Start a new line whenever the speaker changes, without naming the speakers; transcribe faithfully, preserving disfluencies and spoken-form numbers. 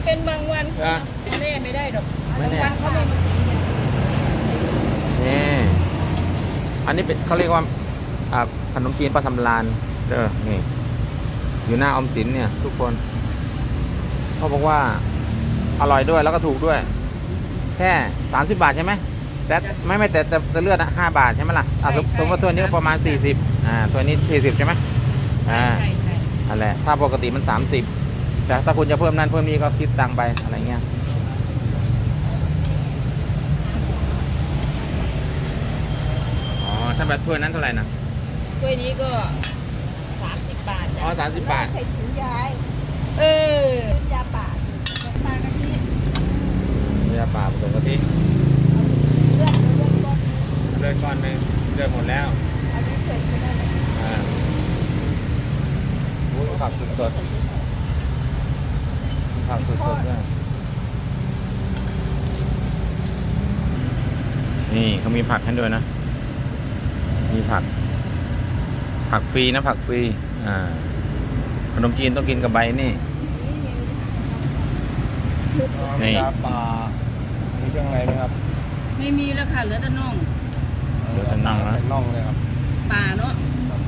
เป็นบางวัน
อ่ะ
แม่ไม่ได้ดอก
ไม่
บาง
แน่
วันเขาไม่มา
นี่อันนี้เป็นเขาเรียกว่าอ่าขนมจีนปลาทำลานเด้อนี่อยู่หน้าออมสินเนี่ยทุกคนเขาบอกว่าอร่อยด้วยแล้วก็ถูกด้วยแค่สามสิบบาทใช่ไหมแต่ไม่ไม่แต่แต่แต่เลือดอะห้าบาทใช่ไหมล่ะอ่ะสมสมมติว่าถ้วยนี้ก็ประมาณสี่สิบอ่าถ้วยนี้สี่สิบใช่ไหมอ่า
ใช่ใช่
นั่นแหละถ้าปกติมันสามสิบแต่ถ้าคุณจะเพิ่มนั่นเพิ่มนี้ก็คิดตังค์ไปอะไรเงี้ยอ๋อถ้าแบบถ้วยนั้นเท่าไหร่นะ
ถ้วยนี้ก็สามสิบบาท
อ๋อ
จ้ะ
สามสิบบาท
ใส่ถุงยาย
เออ
ถุงยาป่าปลากะทิ
เรือป่าผสมกะทิ
เลือดเลือดก้อน
เลือดก้อนหนึงเลือดหมดแล้ว
อันนี้เผ็ดไม่ได้เลย
อ่าอุ้ยผักสดๆผักสดๆด้วยนี่เขามีผักให้ด้วยนะ มีผัก ผักฟรีนะผักฟรีอ่าขนมจีนต้องกินกับใบนี่ นี่
ยาป่ามีเครื่องอะไรไหมครับ
ไม่มีแล้วค่ะเหลือแต่น่อง
เดี๋ยวจะนั่งนะ
ใส่น่องเลยครับ
ป่าเนาะ